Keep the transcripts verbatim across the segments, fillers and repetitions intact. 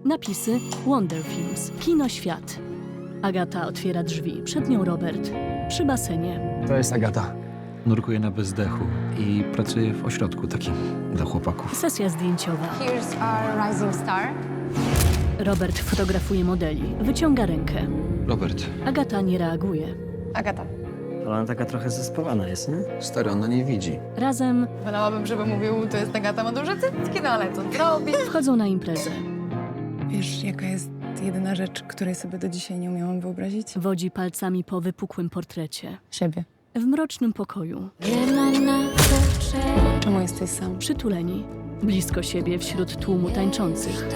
Napisy Wonder Films. Kino Świat. Agata otwiera drzwi. Przed nią Robert. Przy basenie. To jest Agata. Nurkuję na bezdechu i pracuję w ośrodku takim dla chłopaków. Sesja zdjęciowa. Here's our rising star. Robert fotografuje modeli. Wyciąga rękę. Robert, Agata nie reaguje. Agata. Ona taka trochę zespawana jest, nie? stary, ona nie widzi. Razem Wolałabym, żeby mówił, to jest Agata, ma duże cycki, no ale co zrobi? wchodzą na imprezę. Wiesz, jaka jest jedyna rzecz, której sobie do dzisiaj nie umiałam wyobrazić? Wodzi palcami po wypukłym portrecie. Siebie. W mrocznym pokoju. Czemu jesteś sam? Przytuleni. Blisko siebie wśród tłumu tańczących.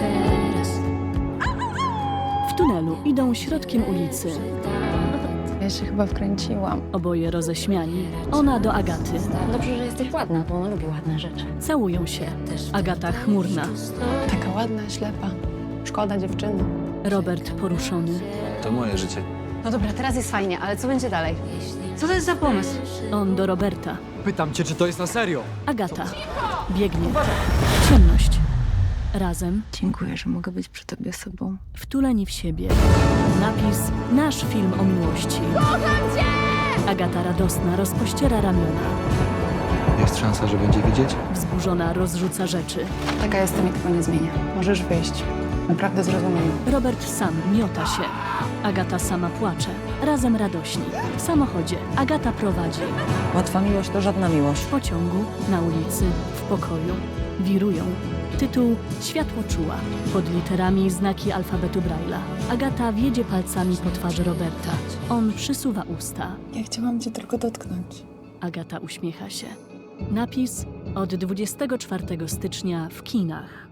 W tunelu idą środkiem ulicy. Ja się chyba wkręciłam. Oboje roześmiani. Ona do Agaty. Dobrze, że jesteś ładna, bo ona lubi ładne rzeczy. Całują się. Agata chmurna. Taka ładna, ślepa. Szkoda dziewczyny. Robert poruszony. To moje życie. No dobra, teraz jest fajnie, ale co będzie dalej? Co to jest za pomysł? On do Roberta. Pytam cię, czy to jest na serio? Agata. Biegnie. Ciemność. Razem. Dziękuję, że mogę być przy tobie sobą. Wtuleni w siebie. Napis Nasz film o miłości. Agata radosna rozpościera ramiona. Jest szansa, że będzie widzieć? Wzburzona rozrzuca rzeczy. Taka jestem i tego nie zmienię. Możesz wyjść. Naprawdę zrozumiem. Robert sam miota się. Agata sama płacze. Razem radośni. W samochodzie. Agata prowadzi. Łatwa miłość to żadna miłość. W pociągu, na ulicy, w pokoju. Wirują. Tytuł Światło czuła. Pod literami znaki alfabetu Braille'a. Agata wiedzie palcami po twarzy Roberta. On przysuwa usta. Ja chciałam cię tylko dotknąć. Agata uśmiecha się. Napis od dwudziestego czwartego stycznia w kinach.